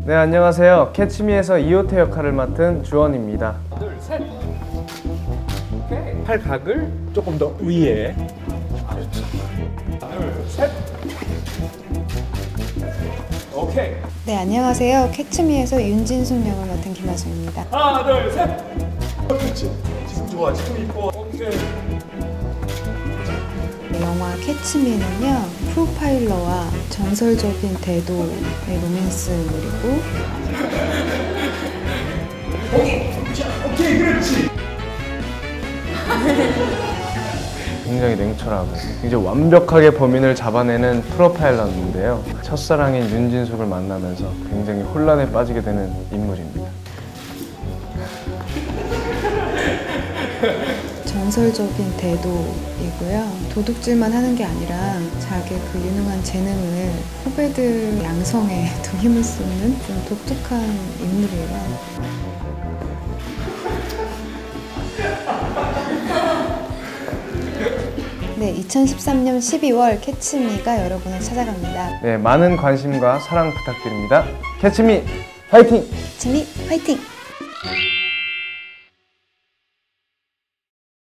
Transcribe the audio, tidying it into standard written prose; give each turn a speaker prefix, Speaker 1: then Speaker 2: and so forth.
Speaker 1: 네, 안녕하세요. 캐치미에서 이호태 역할을 맡은 주원입니다.
Speaker 2: 둘, 셋. 오케이. 팔각을 조금 더 위에. 둘, 셋. 오케이.
Speaker 3: 네, 안녕하세요. 캐치미에서 윤진숙 역을 맡은 김하수입니다.
Speaker 2: 하나, 둘, 셋. 그렇지. 지금 좋아. 지금 이뻐. 오케이.
Speaker 3: 영화 캐치미는요, 프로파일러와 전설적인 대도의 로맨스물이고
Speaker 2: 오케이, 그렇지.
Speaker 1: 굉장히 냉철하고 이제 완벽하게 범인을 잡아내는 프로파일러인데요. 첫사랑인 윤진숙을 만나면서 굉장히 혼란에 빠지게 되는 인물입니다.
Speaker 3: 전설적인 대도이고요. 도둑질만 하는 게 아니라 자기의 그 유능한 재능을 후배들 양성에 더 힘을 쏟는 좀 독특한 인물이에요. 네, 2013년 12월 캐치미가 여러분을 찾아갑니다.
Speaker 1: 네, 많은 관심과 사랑 부탁드립니다. 캐치미 화이팅!
Speaker 3: 캐치미 화이팅!